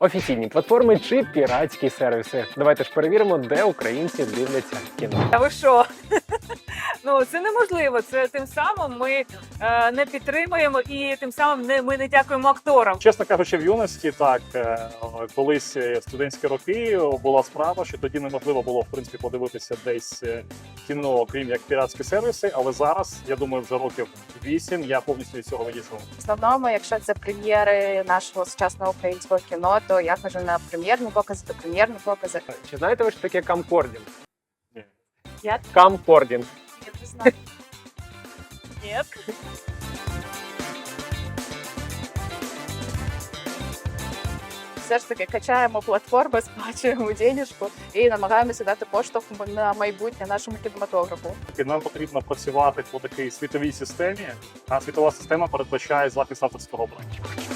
Офіційні платформи чи піратські сервіси. Давайте ж перевіримо, де українці дивляться кіно. Та ви що? Ну це неможливо. Це тим самим ми не підтримуємо і тим самим ми не дякуємо акторам. Чесно кажучи, в юності так, колись студентські роки була справа, що тоді неможливо було в принципі подивитися десь кіно, крім як піратські сервіси. Але зараз, я думаю, вже років 8 я повністю від цього відійшов. В основному, якщо це прем'єри нашого сучасного українського кіно, то я хожу на прем'єрні покази, то прем'єрні покази. Чи знаєте ви, що таке камкордінг? Ні. Я Камкордінг. не знаю. Ні. Все ж таки качаємо платформи, сплачуємо денежку і намагаємося дати поштовх на майбутнє нашому кінематографу. І нам потрібно працювати по такій світовій системі, а світова система передбачає захист авторського права.